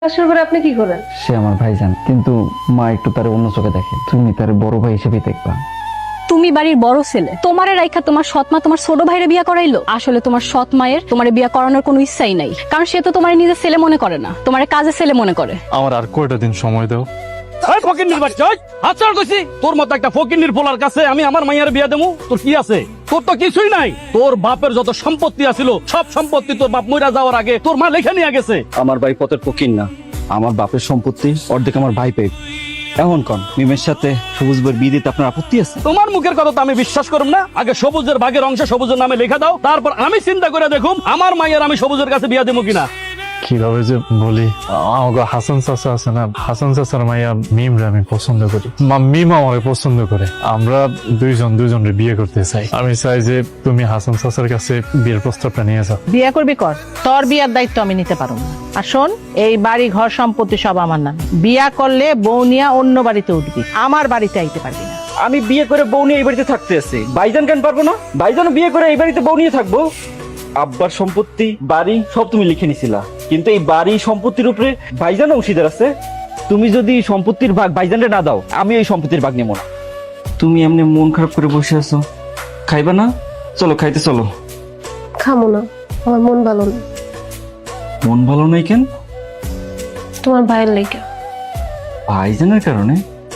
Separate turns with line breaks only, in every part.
শাশুড়ি করে আপনি কি করেন?
সে আমার ভাইজান, কিন্তু মা একটু তার অন্য চোখে দেখে। তুমি তার বড় ভাই হিসেবে দেখবা।
তুমি বাড়ির বড় ছেলে, তোমারে রাইখা তোমার সৎমা তোমার ছোট ভাইরে বিয়া করাইলো। আসলে তোমার সৎ মায়ের তোমারে বিয়া করানোর কোনো ইচ্ছাই নাই, কারণ সে তো তোমার নিজের ছেলে মনে করে না, তোমার কাজের ছেলে মনে করে।
আমার আর কয়টা দিন সময় দাও।
ফকিন্নির বাচ্চা, হাতছাড় কইছি। তোর মতো একটা ফকিন্নির পোলার কাছে আমি আমার মাইয়ার বিয়া দেবো? তোর কি আছে? তোর তো কিছুই নাই। তোর বাপের যত সম্পত্তি আছিল সব সম্পত্তি তোর বাপ মইরা যাওয়ার আগে তোর মা লেখা নিয়ে গেছে।
আমার ভাই পথের ফকির না, আমার বাপের সম্পত্তি অর্ধেক আমার ভাই পেয়ে। এখন কন মিমের সাথে সবুজ বইয়ের বিয়ে দিতে আপনার আপত্তি আছে?
তোমার মুখের কথা তো আমি বিশ্বাস করব না। আগে সবুজের ভাগের অংশ সবুজের নামে লেখা দাও, তারপর আমি চিন্তা করে দেখুম আমার মাইয়ার আমি সবুজের কাছে বিয়া দেবো কিনা।
কিভাবে যে বলি, আমাকে হাসান চাচা আছে না, হাসান চাচার মাইয়া মিমরে আমি পছন্দ করি, মিম আমাকে পছন্দ করে। আমরা দুজনের বিয়ে করতে চাই। আমি চাই যে তুমি হাসান চাচার কাছে বিয়ের প্রস্তাবটা নিয়ে যাও।
বিয়ে করবি কর, তোর বিয়ার দায়িত্ব আমি নিতে পারবো না। আর শোন, এই বাড়ি ঘর সম্পত্তি সব আমার নামে। বিয়া করলে বউ নিয়া অন্য বাড়িতে উঠবি, আমার বাড়িতে আইতে পারবি না।
আমি বিয়ে করে বউ নিয়ে এই বাড়িতে থাকতে আছি, ভাইজান কেন পারবো না? ভাইজান বিয়ে করে এই বাড়িতে বউ নিয়ে থাকবো। আব্বার সম্পত্তি বাড়ি সব তুমি লিখে নিছিলা, কিন্তু এই বাড়ি সম্পত্তির উপরে ভাইজান অংশীদার আছে। তুমি যদি সম্পত্তির ভাগ ভাইজানরে না দাও, আমি এই সম্পত্তির ভাগ নেবো না। তুমি এমনি মন খারাপ করে বসে আছো, খাইবা না? চলো খাইতে চলো।
খামো না, আমার মন ভালো না।
মন ভালো নাই কেন?
তোমার ভাইয়ের লেগে।
ভাইজানের কারণে?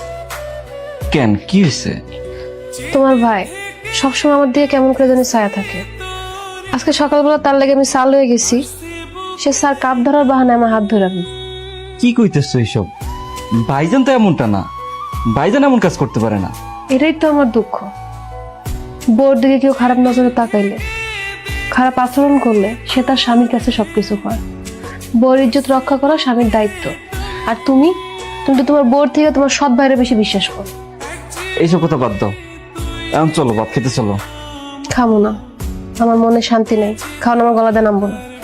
কেন, কি হয়েছে?
তোমার ভাই সবসময় আমার দিকে কেমন করে জানি ছায়া থাকে। আজকে সকালবেলা তার লেগে আমি সাল হয়ে গেছি, সে স্যার কাপ ধরার বাহানায় আমার হাত ধরে রাখবে।
কি কইতেছো এইসব? ভাইজান তো এমনটা না, ভাইজান এমন কাজ করতে পারে না।
এটাই তো আমার দুঃখ। বউর দিকে কেউ খারাপ নজরে তাকাইলে, খারাপ আচরণ করলে সে তার স্বামীর কাছে সবকিছু করে। বউর ইজ্জত রক্ষা করা স্বামীর দায়িত্ব। আর তুমি তুমি তো তোমার বউর থেকে তোমার সৎ ভাইয়ের বেশি বিশ্বাস করো।
এইসব কথা বাদ দাও, এখন চলো ভাত খেতে চলো।
খামো না, আমার মনে শান্তি নেই। খাওয়ানো আমার গলাতে নামবো না।